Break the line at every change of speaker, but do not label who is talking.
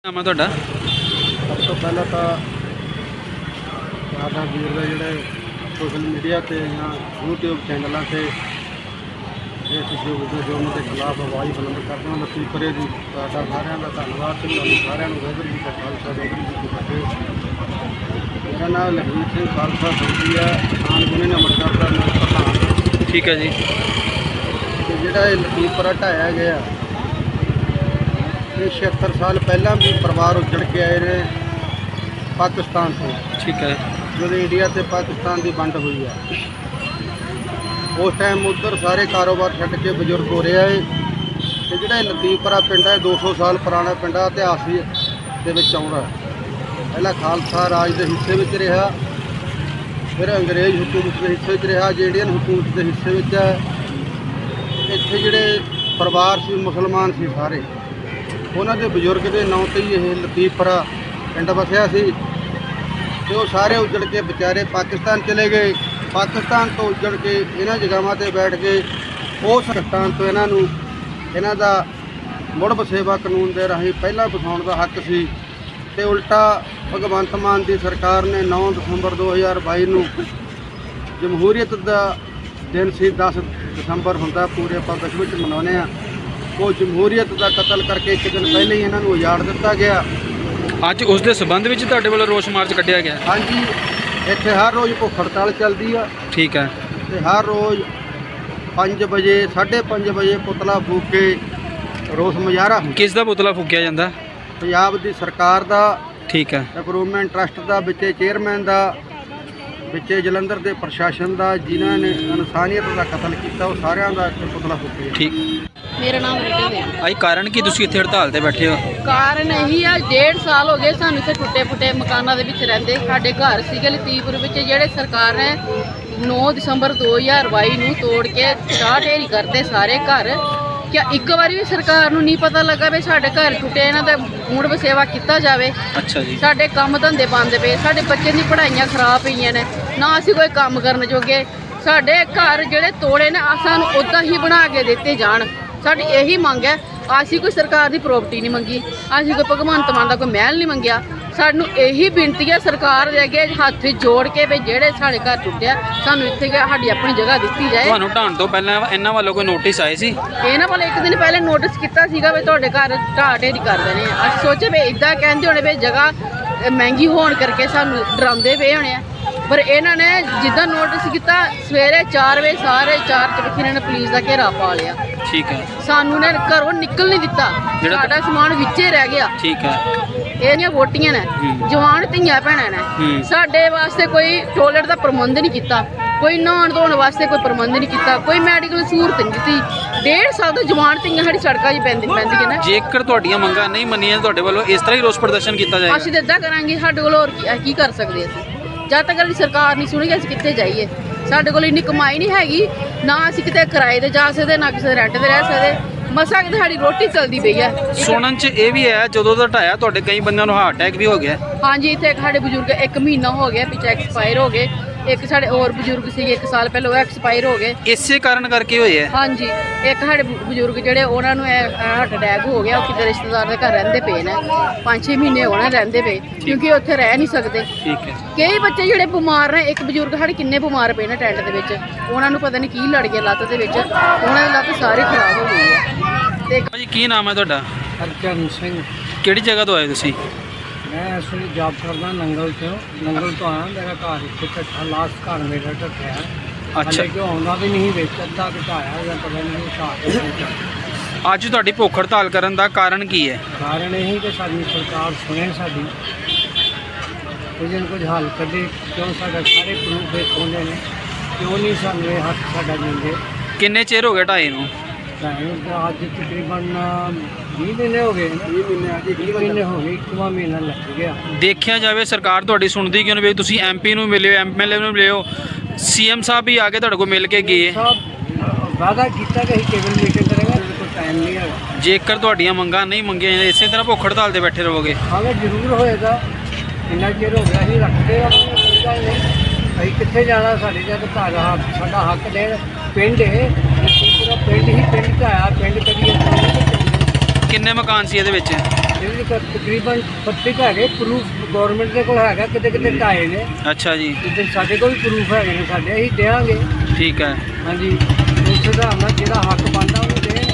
ਨਾਮ ਹੈ ਤੁਹਾਡਾ?
ਸਭ ਤੋਂ ਪਹਿਲਾਂ ਤਾਂ ਸਾਡਾ ਵੀਰ ਦਾ ਜਿਹੜੇ ਸੋਸ਼ਲ ਮੀਡੀਆ ਤੇ ਜਾਂ YouTube ਚੈਨਲਾਂ ਤੇ ਇਸ ਜੋ ਉਹਨਾਂ ਦੇ ਖਿਲਾਫ ਆਵਾਜ਼ ਬੁਲੰਦ ਕਰਦੇ ਹਨ ਲਤੀਫਰੇ ਦੀ ਤੁਹਾਡਾ ਸਾਰਿਆਂ ਦਾ ਧੰਨਵਾਦ ਤੇ ਤੁਹਾਨੂੰ ਸਾਰਿਆਂ ਨੂੰ ਵਾਹਿਗੁਰੂ ਜੀ ਕਾ ਖਾਲਸਾ ਵਾਹਿਗੁਰੂ ਜੀ ਕੀ ਫਤਿਹ। ਮੇਰਾ ਨਾਮ ਲਖਵੀਰ ਸਿੰਘ ਖਾਲਸਾ ਸੋਢੀ ਹੈ, ਆਨ ਗੁਣੇ ਅੰਮ੍ਰਿਤਸਰ ਦਾ ਮੈਂ ਪ੍ਰਧਾਨ।
ਠੀਕ ਹੈ ਜੀ।
ਤੇ ਜਿਹੜਾ ਇਹ ਲਤੀਫਰਾ ਢਾਇਆ ਗਿਆ ਇਹ 76 ਸਾਲ ਪਹਿਲਾਂ ਵੀ ਪਰਿਵਾਰ ਉੱਜੜ ਕੇ ਆਏ ਨੇ ਪਾਕਿਸਤਾਨ ਤੋਂ।
ਠੀਕ ਹੈ।
ਜਦੋਂ ਇੰਡੀਆ ਤੇ ਪਾਕਿਸਤਾਨ ਦੀ ਵੰਡ ਹੋਈ ਹੈ ਉਸ ਟਾਈਮ ਉੱਧਰ ਸਾਰੇ ਕਾਰੋਬਾਰ ਛੱਡ ਕੇ ਬਜ਼ੁਰਗ ਹੋ ਰਿਹਾ ਹੈ। ਤੇ ਜਿਹੜਾ ਇਹ ਲਤੀਫਰਾ ਪਿੰਡ ਹੈ 200 ਸਾਲ ਪੁਰਾਣਾ ਪਿੰਡ ਹੈ, ਇਤਿਹਾਸ ਦੇ ਵਿੱਚ ਆਉਂਦਾ। ਪਹਿਲਾਂ ਖਾਲਸਾ ਰਾਜ ਦੇ ਹਿੱਸੇ ਵਿੱਚ ਰਿਹਾ, ਫਿਰ ਅੰਗਰੇਜ਼ ਹਕੂਮਤ ਦੇ ਹਿੱਸੇ ਵਿੱਚ ਰਿਹਾ, ਜੇ ਇੰਡੀਅਨ ਹਕੂਮਤ ਦੇ ਹਿੱਸੇ ਵਿੱਚ ਹੈ। ਇੱਥੇ ਜਿਹੜੇ ਪਰਿਵਾਰ ਸੀ ਮੁਸਲਮਾਨ ਸੀ ਸਾਰੇ, ਉਹਨਾਂ ਦੇ ਬਜ਼ੁਰਗ ਦੇ ਨਾਂ ਤੇ ਹੀ ਇਹ ਲਤੀਫਰਾ ਪਿੰਡ ਵਸਿਆ ਸੀ। ਤੇ ਉਹ ਸਾਰੇ ਉੱਜੜ ਕੇ ਵਿਚਾਰੇ ਪਾਕਿਸਤਾਨ ਚਲੇ ਗਏ। ਪਾਕਿਸਤਾਨ ਤੋਂ ਉੱਜੜ ਕੇ ਇਹਨਾਂ ਜਗ੍ਹਾਵਾਂ ਤੇ ਬੈਠ ਕੇ ਉਸ ਪਾਕਿਸਤਾਨ ਤੋਂ ਇਹਨਾਂ ਦਾ ਮੁੜ ਵਸੇਵਾ ਕਾਨੂੰਨ ਦੇ ਰਾਹੀਂ ਪਹਿਲਾਂ ਵਸਾਉਣ ਦਾ ਹੱਕ ਸੀ। ਤੇ ਉਲਟਾ ਭਗਵੰਤ ਮਾਨ ਦੀ ਸਰਕਾਰ ਨੇ 9 ਦਸੰਬਰ 2022 ਨੂੰ ਜਮਹੂਰੀਅਤ ਦਾ ਦਿਨ ਸੀ। 10 ਦਸੰਬਰ ਹੁੰਦਾ, ਪੂਰੇ ਆਪਾਂ ਵਿਸ਼ਵ ਵਿੱਚ ਮਨਾਉਂਦੇ ਹਾਂ। ਉਹ ਜਮਹੂਰੀਅਤ ਦਾ ਕਤਲ ਕਰਕੇ ਇੱਕ ਦਿਨ ਪਹਿਲਾਂ ਹੀ ਇਹਨਾਂ ਨੂੰ ਉਜਾੜ ਦਿੱਤਾ ਗਿਆ।
ਅੱਜ ਉਸ ਦੇ ਸਬੰਧ ਵਿੱਚ ਤੁਹਾਡੇ ਵੱਲੋਂ ਰੋਸ ਮਾਰਚ ਕੱਢਿਆ ਗਿਆ?
ਹਾਂਜੀ, ਇੱਥੇ ਹਰ ਰੋਜ਼ ਭੁੱਖ ਹੜਤਾਲ ਚੱਲਦੀ ਆ।
ਠੀਕ ਹੈ।
ਤੇ ਹਰ ਰੋਜ਼ 5 ਵਜੇ 5:30 ਵਜੇ ਪੁਤਲਾ ਫੂਕ ਕੇ ਰੋਸ ਮੁਜ਼ਾਹਰਾ
ਕਿਸ ਦਾ ਪੁਤਲਾ ਫੂਕਿਆ ਜਾਂਦਾ?
ਪੰਜਾਬ ਦੀ ਸਰਕਾਰ ਦਾ।
ਠੀਕ ਹੈ।
ਇੰਪਰੂਵਮੈਂਟ ਟਰਸਟ ਦਾ, ਵਿੱਚੇ ਚੇਅਰਮੈਨ ਦਾ, ਵਿੱਚੇ ਜਲੰਧਰ ਦੇ ਪ੍ਰਸ਼ਾਸਨ ਦਾ, ਜਿਨ੍ਹਾਂ ਨੇ ਇਨਸਾਨੀਅਤ ਦਾ ਕਤਲ ਕੀਤਾ, ਉਹ ਸਾਰਿਆਂ ਦਾ ਇੱਥੇ ਪੁਤਲਾ ਫੂਕਿਆ।
ਠੀਕ।
ਮੇਰਾ ਨਾਮ ਰੀਟਾ ਦੇ।
ਆਈ ਕਾਰਨ ਕੀ ਤੁਸੀਂ ਇੱਥੇ ਹੜਤਾਲ ਤੇ ਬੈਠੇ ਹੋ?
ਕਾਰਨ ਇਹੀ ਆ, 1.5 ਸਾਲ ਹੋ ਗਏ ਸਾਨੂੰ ਇੱਥੇ ਟੁੱਟੇ ਫੁੱਟੇ ਮਕਾਨਾਂ ਦੇ ਵਿੱਚ ਰਹਿੰਦੇ। ਸਾਡੇ ਘਰ ਸੀਗੇ ਲਤੀਫਪੁਰ ਵਿੱਚ, ਜਿਹੜੇ ਸਰਕਾਰ ਨੇ 9 ਦਸੰਬਰ 2022 ਨੂੰ ਤੋੜ ਕੇ ਢਾਹ ਢੇਰੀ ਕਰਦੇ ਸਾਰੇ ਘਰ। ਕਿਆ ਇੱਕ ਵਾਰੀ ਵੀ ਸਰਕਾਰ ਨੂੰ ਨਹੀਂ ਪਤਾ ਲੱਗਾ ਵੀ ਸਾਡੇ ਘਰ ਟੁੱਟੇ, ਇਹਨਾਂ ਦਾ ਮੁੜ ਵਸੇਵਾ ਕੀਤਾ ਜਾਵੇ?
ਅੱਛਾ ਜੀ।
ਸਾਡੇ ਕੰਮ ਧੰਦੇ ਬੰਦ ਪਏ, ਸਾਡੇ ਬੱਚੇ ਦੀ ਪੜ੍ਹਾਈਆਂ ਖਰਾਬ ਪਈਆਂ ਨੇ, ਨਾ ਅਸੀਂ ਕੋਈ ਕੰਮ ਕਰਨ ਜੋਗੇ। ਸਾਡੇ ਘਰ ਜਿਹੜੇ ਤੋੜੇ ਨੇ ਸਾਨੂੰ ਉੱਦਾਂ ਹੀ ਬਣਾ ਕੇ ਦਿੱਤੇ ਜਾਣ। ਸਾਡੀ ਇਹੀ ਮੰਗ ਹੈ। ਅਸੀਂ ਕੋਈ ਸਰਕਾਰ ਦੀ ਪ੍ਰੋਪਰਟੀ ਨਹੀਂ ਮੰਗੀ, ਅਸੀਂ ਕੋਈ ਭਗਵੰਤ ਮਾਨ ਦਾ ਕੋਈ ਮਹਿਲ ਨਹੀਂ ਮੰਗਿਆ। ਸਾਨੂੰ ਇਹੀ ਬੇਨਤੀ ਹੈ ਸਰਕਾਰ ਦੇ ਅੱਗੇ ਹੱਥ ਜੋੜ ਕੇ ਵੀ ਜਿਹੜੇ ਸਾਡੇ ਘਰ ਟੁੱਟਿਆ ਸਾਨੂੰ ਇੱਥੇ ਸਾਡੀ ਆਪਣੀ ਜਗ੍ਹਾ ਦਿੱਤੀ ਜਾਏ।
ਤੁਹਾਨੂੰ ਢਾਣ ਤੋਂ ਪਹਿਲਾਂ ਇਹਨਾਂ ਵੱਲੋਂ ਕੋਈ ਨੋਟਿਸ ਆਏ ਸੀ?
ਇਹਨਾਂ ਵੱਲ ਇੱਕ ਦਿਨ ਪਹਿਲੇ ਨੋਟਿਸ ਕੀਤਾ ਸੀਗਾ ਵੀ ਤੁਹਾਡੇ ਘਰ ਢਾਹ ਢੇਰੀ ਕਰ ਦੇਣੇ ਆ। ਅਸੀਂ ਸੋਚੇ ਵੀ ਇੱਦਾਂ ਕਹਿੰਦੇ ਹੋਣੇ ਵੀ ਜਗ੍ਹਾ ਮਹਿੰਗੀ ਹੋਣ ਕਰਕੇ ਸਾਨੂੰ ਡਰਾਉਂਦੇ ਪਏ ਹੋਣੇ ਆ। ਪਰ ਇਹਨਾਂ ਨੇ ਜਿੱਦਾਂ ਨੋਟਿਸ ਕੀਤਾ, ਸਵੇਰੇ 4 ਵਜੇ ਸਾਰੇ 4 ਚਬੱਖੇ ਇਹਨਾਂ ਨੇ ਪੁਲਿਸ ਦਾ ਘੇਰਾ ਪਾ ਲਿਆ।
ਠੀਕ ਹੈ।
ਸਾਨੂੰ ਨੇ ਘਰੋਂ ਨਿਕਲ ਨਹੀਂ ਦਿੱਤਾ, ਸਾਡਾ ਸਮਾਨ ਵਿੱਚੇ ਰਹਿ ਗਿਆ।
ਠੀਕ ਹੈ।
ਇਹਦੀਆਂ ਵੋਟੀਆਂ ਨੇ, ਜਵਾਨ ਧੀਆਂ ਭੈਣਾਂ ਨੇ, ਸਾਡੇ ਵਾਸਤੇ ਕੋਈ ਟੋਇਲਟ ਦਾ ਪ੍ਰਬੰਧ ਨਹੀਂ ਕੀਤਾ, ਕੋਈ ਨਹਾਉਣ ਧੋਣ ਵਾਸਤੇ ਕੋਈ ਪ੍ਰਬੰਧ ਨਹੀਂ ਕੀਤਾ, ਕੋਈ ਮੈਡੀਕਲ ਸਹੂਲਤ ਨਹੀਂ ਦਿੱਤੀ। 1.5 ਸਾਲ ਤੋਂ ਜਵਾਨ ਧੀਆਂ ਸਾਡੀ ਸੜਕਾਂ 'ਚ ਪੈਂਦੀਆਂ ਨੇ।
ਜੇਕਰ ਤੁਹਾਡੀਆਂ ਮੰਗਾਂ ਨਹੀਂ ਮੰਨੀਆਂ ਤੁਹਾਡੇ ਵੱਲੋਂ ਇਸ ਤਰ੍ਹਾਂ ਹੀ ਰੋਸ ਪ੍ਰਦਰਸ਼ਨ ਕੀਤਾ ਜਾਏਗਾ?
ਅਸੀਂ ਤਾਂ ਇੱਦਾਂ ਕਰਾਂਗੇ, ਸਾਡੇ ਕੋਲ ਹੋਰ ਕੀ ਕਰ ਸਕਦੇ ਅਸੀਂ? ਜਦ ਤੱਕ ਸਾਡੀ ਸਰਕਾਰ ਨਹੀਂ ਸੁਣੇਗੀ ਅਸੀਂ ਕਿੱਥੇ ਜਾਈਏ? ਸਾਡੇ ਕੋਲ ਇੰਨੀ ਕਮਾਈ ਨਹੀਂ ਹੈਗੀ, ਨਾ ਅਸੀਂ ਕਿਤੇ ਕਿਰਾਏ ਤੇ ਜਾ ਸਕਦੇ, ਨਾ ਕਿਸੇ ਰੈਂਟ ਤੇ ਰਹਿ ਸਕਦੇ। ਮਸਾਂ ਕਿਤੇ ਸਾਡੀ ਰੋਟੀ ਚੱਲਦੀ ਪਈ ਹੈ।
ਸੁਣਨ 'ਚ ਇਹ ਵੀ ਹੈ ਜਦੋਂ ਦਾ ਢਾਇਆ ਤੁਹਾਡੇ ਕਈ ਬੰਦਿਆਂ ਨੂੰ ਹਾਰਟ ਅਟੈਕ ਵੀ ਹੋ ਗਿਆ?
ਹਾਂਜੀ, ਇੱਥੇ ਸਾਡੇ ਬਜ਼ੁਰਗ 1 ਮਹੀਨਾ ਹੋ ਗਿਆ ਪਿੱਛੇ ਐਕਸਪਾਇਰ ਹੋ ਗਏ। ਇੱਕ ਸਾਡੇ ਹੋਰ ਬਜ਼ੁਰਗ ਸੀਗੇ 1 ਸਾਲ ਪਹਿਲਾਂ, ਉਹ ਐਕਸਪਾਇਰ ਹੋ ਗਏ।
ਇਸੇ ਕਾਰਨ ਕਰਕੇ ਹੋਏ ਹੈ?
ਹਾਂਜੀ, ਇੱਕ ਸਾਡੇ ਬਜ਼ੁਰਗ ਜਿਹੜੇ ਉਹਨਾਂ ਨੂੰ ਹਾਰਟ ਅਟੈਕ ਹੋ ਗਿਆ। ਉਹ ਕਿਤੇ ਰਿਸ਼ਤੇਦਾਰ ਦੇ ਘਰ ਰਹਿੰਦੇ ਪਏ ਨੇ, 5-6 ਮਹੀਨੇ ਹੋਣਾ ਰਹਿੰਦੇ ਪਏ, ਕਿਉਂਕਿ ਉੱਥੇ ਰਹਿ ਨਹੀਂ ਸਕਦੇ।
ਠੀਕ ਹੈ।
ਕਈ ਬੱਚੇ ਜਿਹੜੇ ਬਿਮਾਰ ਨੇ, ਇੱਕ ਬਜ਼ੁਰਗ ਸਾਡੇ ਕਿੰਨੇ ਬਿਮਾਰ ਪਏ ਨੇ ਟੈਂਟ ਦੇ ਵਿੱਚ, ਉਹਨਾਂ ਨੂੰ ਪਤਾ ਨਹੀਂ ਕੀ ਲੜ ਗਿਆ ਲੱਤ ਦੇ ਵਿੱਚ, ਉਹਨਾਂ ਦੀ ਲੱਤ ਸਾਰੀ ਖਰਾਬ ਹੋ ਗਈ ਹੈ। ਤੇ
ਭਾਜੀ ਕੀ ਨਾਮ ਹੈ ਤੁਹਾਡਾ?
ਹਰਚਰਨ ਸਿੰਘ।
ਕਿਹੜੀ ਜਗ੍ਹਾ ਤੋਂ ਆਏ ਤੁਸੀਂ?
ਮੈਂ ਇਸ ਵੇਲੇ ਜੌਬ ਕਰਦਾ ਨੰਗਲ ਤੋਂ ਆਇਆ। ਮੇਰਾ ਘਰ ਇੱਥੇ ਢੱਠਾ, ਲਾਸਟ ਘਰ ਮੇਰਾ ਢੱਠਿਆ।
ਅੱਛਾ।
ਕਿ ਆਉਂਦਾ ਵੀ ਨਹੀਂ ਵਿੱਚ, ਅੱਧਾ ਘਟਾਇਆ ਜਾਂ ਪਤਾ ਨਹੀਂ ਘਟਾਇਆ।
ਅੱਜ ਤੁਹਾਡੀ ਭੁੱਖ ਹੜਤਾਲ ਕਰਨ ਦਾ ਕਾਰਨ ਕੀ ਹੈ?
ਕਾਰਨ ਇਹੀ ਕਿ ਸਾਡੀ ਸਰਕਾਰ ਸੁਣੇ, ਸਾਡੀ ਕੁਝ ਹੱਲ ਕੱਢੇ। ਕਿਉਂ ਸਾਡਾ ਸਾਰੇ ਪ੍ਰੂਫ ਦੇਖੋਂਦੇ ਨੇ, ਕਿਉਂ ਨਹੀਂ ਸਾਨੂੰ ਇਹ ਹੱਕ ਸਾਡਾ ਦਿੰਦੇ?
ਕਿੰਨੇ ਚਿਰ ਹੋ ਗਏ ਢਾਏ ਨੂੰ?
ਅੱਜ ਤਕਰੀਬਨ 20 ਮਹੀਨੇ ਹੋ ਗਏ। 20 ਮਹੀਨੇ ਹੋ ਗਏ, 1ਵਾਂ ਮਹੀਨਾ ਲੱਗ ਗਿਆ।
ਦੇਖਿਆ ਜਾਵੇ ਸਰਕਾਰ ਤੁਹਾਡੀ ਸੁਣਦੀ ਕਿਉਂ ਨਹੀਂ? ਤੁਸੀਂ MP ਨੂੰ ਮਿਲਿਓ, MLA ਨੂੰ ਮਿਲਿਓ, CM ਸਾਹਿਬ ਵੀ ਆ ਕੇ ਤੁਹਾਡੇ ਕੋਲ ਮਿਲ ਕੇ ਗਏ।
ਵਾਅਦਾ ਕੀਤਾ ਕਿ ਅਸੀਂ ਕੇਬਲ ਮੀਟਿੰਗ ਕਰਾਂਗੇ, ਕੋਈ ਟਾਈਮ ਨਹੀਂ ਹੈਗਾ।
ਜੇਕਰ ਤੁਹਾਡੀਆਂ ਮੰਗਾਂ ਨਹੀਂ ਮੰਗੀਆਂ ਜਾਂਦੀਆਂ, ਇਸੇ ਤਰ੍ਹਾਂ ਭੁੱਖ ਹੜਤਾਲ ਤੇ ਬੈਠੇ ਰਹੋਗੇ?
ਹਾਂ, ਜ਼ਰੂਰ ਹੋਏਗਾ। ਇੰਨਾ ਚਿਰ ਹੋ ਗਿਆ ਅਸੀਂ ਰੱਖਦੇ ਆ, ਕੋਈ ਗੱਲ ਨਹੀਂ। ਅਸੀਂ ਕਿੱਥੇ ਜਾਣਾ? ਸਾਡੇ ਜਦ ਘਰ ਸਾਡਾ ਹੱਕ ਦੇਣ। ਪਿੰਡ ਹੈ ਪੂਰਾ, ਪਿੰਡ ਹੀ ਪਿੰਡ 'ਚ ਆਇਆ। ਪਿੰਡ ਕਦੀ
ਕਿੰਨੇ ਮਕਾਨ ਸੀ ਇਹਦੇ ਵਿੱਚ?
ਸਾਡੇ ਵੀ ਤਕਰੀਬਨ 32 ਹੈਗੇ ਪ੍ਰੂਫ ਗਵਰਨਮੈਂਟ ਦੇ ਕੋਲ ਹੈਗਾ, ਕਿਤੇ ਕਿਤੇ ਢਾਏ ਨੇ।
ਅੱਛਾ ਜੀ,
ਤੇ ਸਾਡੇ ਕੋਲ ਵੀ ਪ੍ਰੂਫ ਹੈਗੇ ਨੇ, ਸਾਡੇ ਅਸੀਂ ਦੇਵਾਂਗੇ।
ਠੀਕ ਹੈ।
ਹਾਂਜੀ, ਉਸ ਹਿਸਾਬ ਨਾਲ ਜਿਹੜਾ ਹੱਕ ਬਣਦਾ ਉਹਨੂੰ ਦੇਣ।